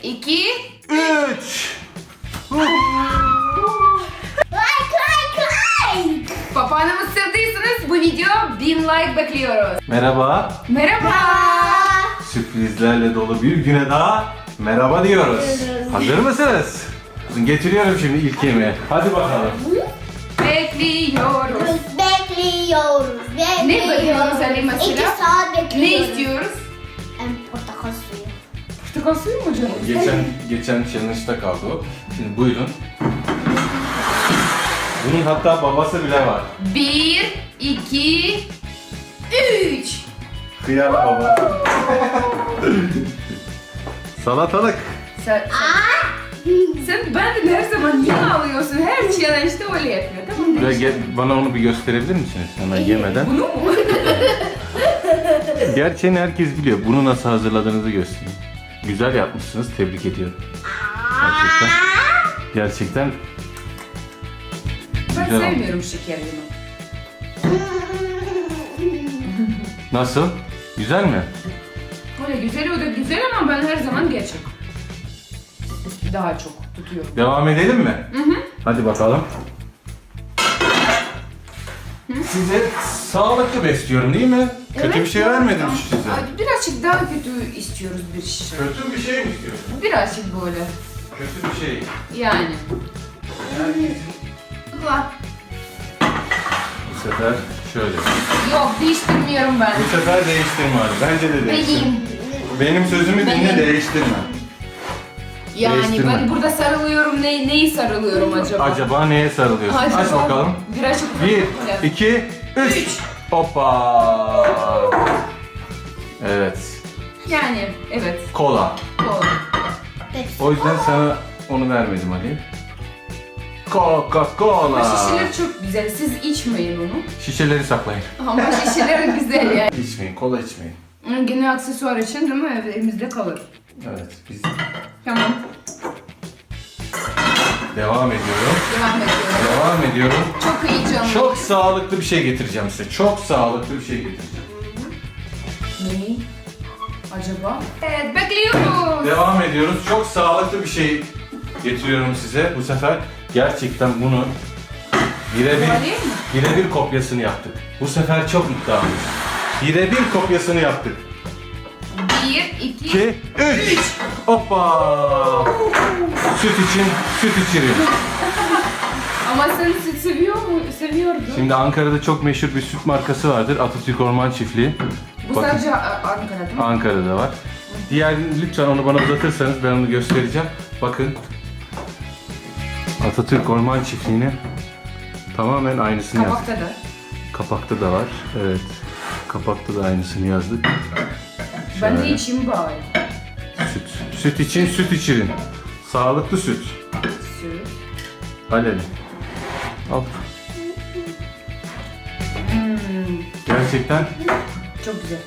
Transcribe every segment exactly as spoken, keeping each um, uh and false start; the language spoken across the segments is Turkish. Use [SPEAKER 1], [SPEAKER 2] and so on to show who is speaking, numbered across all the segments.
[SPEAKER 1] iki,
[SPEAKER 2] üç.
[SPEAKER 3] Like like like.
[SPEAKER 1] Papağanımı sevdiyseniz bu video bin like bekliyoruz.
[SPEAKER 2] Merhaba.
[SPEAKER 1] Merhaba.
[SPEAKER 2] Sürprizlerle dolu bir güne daha merhaba diyoruz. Hazır mısınız? Getiriyorum şimdi ilk yemeği. Hadi bakalım.
[SPEAKER 1] Bekliyoruz.
[SPEAKER 3] Bekliyoruz. Bekliyoruz.
[SPEAKER 1] Ne bekliyoruz Ali mesela?
[SPEAKER 3] İki saat bekliyoruz.
[SPEAKER 1] Ne istiyoruz?
[SPEAKER 3] Em, portakal suyu.
[SPEAKER 1] Portakal suyu mu canım?
[SPEAKER 2] Geçen geçen challenge'da kaldı o. Şimdi buyurun. Bunun hatta babası bile var.
[SPEAKER 1] Bir, iki, üç.
[SPEAKER 2] Kıyar baba. Salatalık.
[SPEAKER 1] Sen, sen benden her zaman yine alıyorsun. Her challenge'da öyle yapıyor. Tamam mı?
[SPEAKER 2] Ve ge- bana onu bir gösterebilir misiniz? Hemen yemeden.
[SPEAKER 1] Bunu mu?
[SPEAKER 2] Gerçeğini herkes biliyor. Bunu nasıl hazırladığınızı göstereyim. Güzel yapmışsınız. Tebrik ediyorum. Gerçekten. Gerçekten.
[SPEAKER 1] Ben
[SPEAKER 2] Güzel oldu.
[SPEAKER 1] sevmiyorum şekerlimi.
[SPEAKER 2] Nasıl? Güzel mi?
[SPEAKER 1] Öyle güzel o da güzel ama ben her zaman gerçek. Daha çok tutuyorum.
[SPEAKER 2] Devam edelim mi?
[SPEAKER 1] Hı hı.
[SPEAKER 2] Hadi bakalım. Size sağlıklı besliyorum değil mi? Kötü
[SPEAKER 1] Evet,
[SPEAKER 2] bir şey
[SPEAKER 1] ya.
[SPEAKER 2] vermedim size.
[SPEAKER 1] Ay, birazcık daha kötü istiyoruz bir şey.
[SPEAKER 2] Kötü bir şey mi istiyorsun?
[SPEAKER 1] Birazcık böyle.
[SPEAKER 2] Kötü bir şey.
[SPEAKER 1] Yani.
[SPEAKER 2] Herkesin
[SPEAKER 1] Bak.
[SPEAKER 2] bu sefer şöyle.
[SPEAKER 1] Yok değiştirmiyorum ben.
[SPEAKER 2] Bu sefer değiştirme hadi. Bence de değiştirme.
[SPEAKER 1] Benim.
[SPEAKER 2] Benim sözümü dinle,
[SPEAKER 1] Benim.
[SPEAKER 2] değiştirme.
[SPEAKER 1] Yani
[SPEAKER 2] Değiştirme.
[SPEAKER 1] ben burada sarılıyorum. Ne, neyi sarılıyorum acaba?
[SPEAKER 2] Acaba neye sarılıyorsun?
[SPEAKER 1] Acaba-
[SPEAKER 2] Aç bakalım.
[SPEAKER 1] Birazcık.
[SPEAKER 2] Bir, iki, üç.
[SPEAKER 1] Üç.
[SPEAKER 2] Hoppa. Evet.
[SPEAKER 1] Yani evet.
[SPEAKER 2] Kola.
[SPEAKER 1] Doğru.
[SPEAKER 2] O yüzden sana onu vermedim Ali. Coca-Cola.
[SPEAKER 1] Ama şişeler çok güzel. Siz içmeyin onu.
[SPEAKER 2] Şişeleri saklayın.
[SPEAKER 1] Ama şişeler güzel yani.
[SPEAKER 2] İçmeyin, kola içmeyin.
[SPEAKER 1] Gene aksesuar için değil mi? Evimizde kalır.
[SPEAKER 2] Evet, biz
[SPEAKER 1] Tamam.
[SPEAKER 2] devam ediyorum.
[SPEAKER 1] Devam ediyorum.
[SPEAKER 2] Devam ediyorum.
[SPEAKER 1] Çok heyecanlı.
[SPEAKER 2] Çok sağlıklı bir şey getireceğim size. Çok sağlıklı bir şey getireceğim.
[SPEAKER 1] Ne? Acaba? Evet bekliyoruz.
[SPEAKER 2] Devam ediyoruz. Çok sağlıklı bir şey getiriyorum size. Bu sefer gerçekten bunu birebir
[SPEAKER 1] Var değil mi?
[SPEAKER 2] birebir kopyasını yaptık. Bu sefer çok iddialıyız. Birebir kopyasını yaptık.
[SPEAKER 1] Bir, iki,
[SPEAKER 2] iki, üç. Hoppa! Süt için süt içiriyorum.
[SPEAKER 1] Ama sen süt seviyor mu? Seviyordun.
[SPEAKER 2] Şimdi Ankara'da çok meşhur bir süt markası vardır. Atatürk Orman Çiftliği.
[SPEAKER 1] Bu
[SPEAKER 2] Bakın,
[SPEAKER 1] sadece A- Ankara'da mı?
[SPEAKER 2] Ankara'da var. Diğer lütfen onu bana uzatırsanız ben onu göstereceğim. Bakın. Atatürk Orman Çiftliği'nin tamamen aynısını yazdık.
[SPEAKER 1] Kabakta da.
[SPEAKER 2] Kapakta da var. Evet. Kapakta da aynısını yazdık.
[SPEAKER 1] Ben de
[SPEAKER 2] Şöyle.
[SPEAKER 1] içeyim bari.
[SPEAKER 2] Süt. Süt için süt içirin. Sağlıklı süt.
[SPEAKER 1] Süt.
[SPEAKER 2] Aleli. Al.
[SPEAKER 1] Hmm,
[SPEAKER 2] Gerçekten
[SPEAKER 1] çok güzel.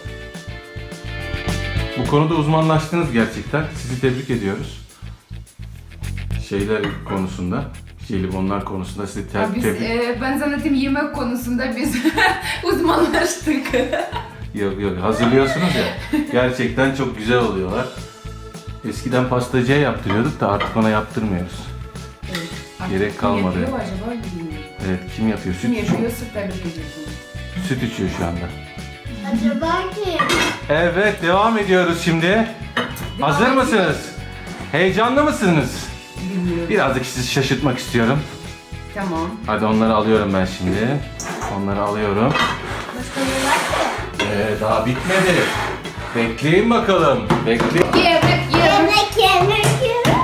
[SPEAKER 2] bu konuda uzmanlaştınız gerçekten. Sizi tebrik ediyoruz. Şeyler konusunda, jelibonlar konusunda sizi te-
[SPEAKER 1] Ya biz,
[SPEAKER 2] tebrik...
[SPEAKER 1] e, ben zannettim yemek konusunda biz uzmanlaştık.
[SPEAKER 2] Yok yok, hazırlıyorsunuz ya. Gerçekten çok güzel oluyorlar. Eskiden pastacıya yaptırıyorduk da artık ona yaptırmıyoruz.
[SPEAKER 1] Evet.
[SPEAKER 2] Gerek
[SPEAKER 1] Kim
[SPEAKER 2] kalmadı.
[SPEAKER 1] yapıyor acaba bilmiyorum.
[SPEAKER 2] Evet, kim yapıyor?
[SPEAKER 1] Kim
[SPEAKER 2] Süt,
[SPEAKER 1] yapıyorsa tebrik ediyorsun.
[SPEAKER 2] süt içiyor şu anda.
[SPEAKER 3] Acaba kim?
[SPEAKER 2] Evet, devam ediyoruz şimdi. Hazır
[SPEAKER 1] Devam
[SPEAKER 2] mısınız? Heyecanlı mısınız?
[SPEAKER 1] Bilmiyorum.
[SPEAKER 2] Birazcık sizi şaşırtmak istiyorum.
[SPEAKER 1] Tamam.
[SPEAKER 2] Hadi onları alıyorum ben şimdi. Onları alıyorum.
[SPEAKER 3] Başka ne var ki?
[SPEAKER 2] Ee, daha bitmedi. Bekleyin bakalım. Bekleyin.
[SPEAKER 1] Yemek, yemek,
[SPEAKER 3] Yemek yemek yemek.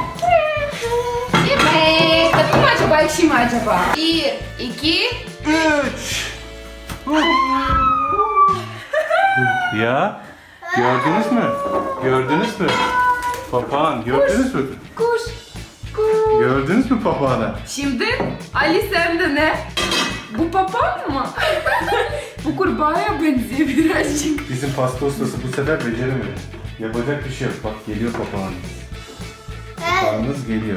[SPEAKER 1] yemek. Tatlı mı acaba, ekşi mi acaba? Bir, iki,
[SPEAKER 2] Üç. Ya, gördünüz mü? Gördünüz mü? Papağan, gördünüz mü?
[SPEAKER 1] kuş, kuş.
[SPEAKER 2] Gördünüz mü papağanı?
[SPEAKER 1] Şimdi Ali sende ne? Bu papağan mı? Bu kurbağaya benziyor birazcık.
[SPEAKER 2] Bizim pasta ustası bu sefer beceremedi. Yapacak bir şey yok. Bak geliyor papağan. Papağanınız geliyor.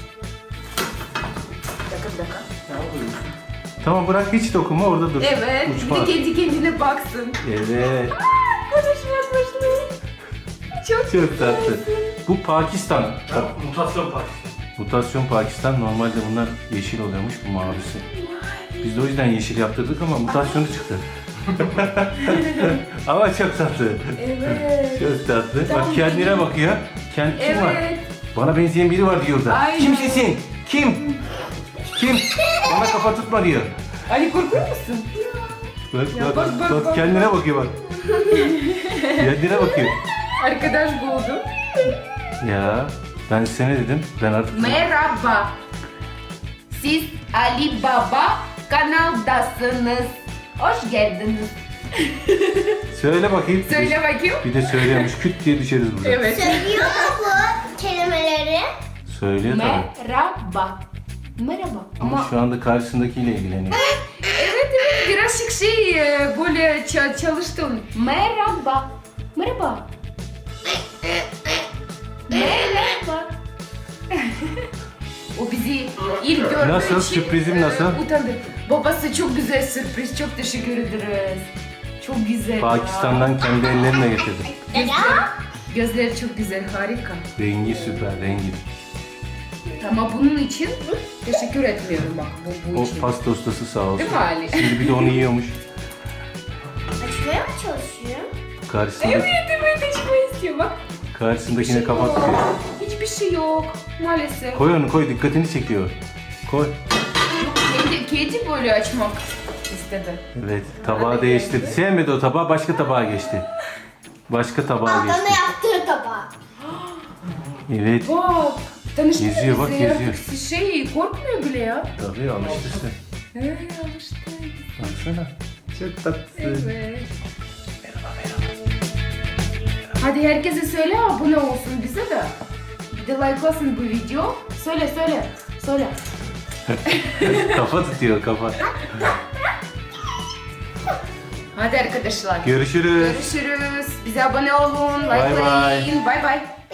[SPEAKER 1] Bir dakika, bir dakika.
[SPEAKER 2] Tamam bırak hiç dokunma orada dur.
[SPEAKER 1] Evet, bir
[SPEAKER 2] Uçma.
[SPEAKER 1] de kendi kendine baksın.
[SPEAKER 2] Evet.
[SPEAKER 1] Konuşmaya başladı. Çok
[SPEAKER 2] Çok tatlı. Bu Pakistan.
[SPEAKER 4] Mutasyon Pakistan.
[SPEAKER 2] Mutasyon Pakistan. Normalde bunlar yeşil oluyormuş, bu mavisi. Biz de o yüzden yeşil yaptırdık ama mutasyonu çıktı. Ama çok tatlı.
[SPEAKER 1] Evet.
[SPEAKER 2] Çok tatlı.
[SPEAKER 1] Tam
[SPEAKER 2] Bak kendine
[SPEAKER 1] benim.
[SPEAKER 2] bakıyor. Kend kim var?
[SPEAKER 1] Evet.
[SPEAKER 2] Bana benzeyen biri var diyor da.
[SPEAKER 1] Aynen.
[SPEAKER 2] Kimsin? Kim? Kim? Bana kafa tutma diyor.
[SPEAKER 1] Ali korkuyor musun?
[SPEAKER 2] Bak
[SPEAKER 1] Ya
[SPEAKER 2] bak
[SPEAKER 1] bak,
[SPEAKER 2] bak,
[SPEAKER 1] bak, bak.
[SPEAKER 2] kendine bakıyor bak. Kendine bakıyor.
[SPEAKER 1] Arkadaş buldum.
[SPEAKER 2] Ya ben size ne dedim? Ben artık...
[SPEAKER 1] Merhaba. Siz Ali Baba kanaldasınız. Hoş geldiniz.
[SPEAKER 2] Söyle bakayım.
[SPEAKER 1] Söyle bakayım.
[SPEAKER 2] Bir de söylüyormuş. Küt diye düşeriz burada.
[SPEAKER 1] Evet.
[SPEAKER 3] Söylüyor mu bu kelimeleri?
[SPEAKER 2] Söylüyor tabii.
[SPEAKER 1] Merhaba. Merhaba.
[SPEAKER 2] Ama
[SPEAKER 1] Ama
[SPEAKER 2] şu anda karşısındakiyle ilgileniyor.
[SPEAKER 1] evet evet birazcık şey e, böyle ça- çalıştım. Merhaba. Merhaba. Merhaba. O bizi ilk gördüğü
[SPEAKER 2] Nasıl?
[SPEAKER 1] için
[SPEAKER 2] Sürprizim
[SPEAKER 1] e,
[SPEAKER 2] nasıl?
[SPEAKER 1] utandı. Babası çok güzel sürpriz. Çok teşekkür ederiz. Çok güzel.
[SPEAKER 2] Pakistan'dan kendi ellerimle getirdim.
[SPEAKER 1] Gözler, gözleri çok güzel. Harika.
[SPEAKER 2] Rengi süper, rengi.
[SPEAKER 1] Ama bunun için teşekkür etmiyorum bak bu, bu
[SPEAKER 2] O
[SPEAKER 1] için.
[SPEAKER 2] pasta ustası sağ olsun.
[SPEAKER 1] Değil mi Ali?
[SPEAKER 2] Şimdi bir de onu yiyormuş.
[SPEAKER 3] Açmaya mı çalışıyor?
[SPEAKER 2] Karşısında,
[SPEAKER 1] Evet evet açmayı istiyor bak.
[SPEAKER 2] karşısındakine kafa tutuyor.
[SPEAKER 1] Hiçbir şey yok maalesef.
[SPEAKER 2] Koy onu koy, dikkatini çekiyor. Koy.
[SPEAKER 1] Yok, kedi, kedi böyle açmak istedi.
[SPEAKER 2] Evet, tabağı değiştirdi. Sevmedi o tabağı, başka tabağa geçti. Başka tabağa
[SPEAKER 3] Altına
[SPEAKER 2] geçti.
[SPEAKER 3] yaptığı tabağı.
[SPEAKER 2] Evet.
[SPEAKER 1] Bak tanıştı
[SPEAKER 2] Geziyor, bak,
[SPEAKER 1] bize ya.
[SPEAKER 2] geziyor.
[SPEAKER 1] Şey korkmuyor bile ya.
[SPEAKER 2] Tabii alıştı sen.
[SPEAKER 1] He alıştı.
[SPEAKER 2] Baksana. Çok tatlı.
[SPEAKER 1] Evet. Hadi herkese söyle abone olsun bize de. Bir de likelasın bu video. Söyle söyle. Söyle.
[SPEAKER 2] Kafa tutuyor kafa.
[SPEAKER 1] Hadi arkadaşlar.
[SPEAKER 2] Görüşürüz.
[SPEAKER 1] Görüşürüz. Bize abone olun.
[SPEAKER 2] Bay bay.
[SPEAKER 1] Likelayın. Bay bay.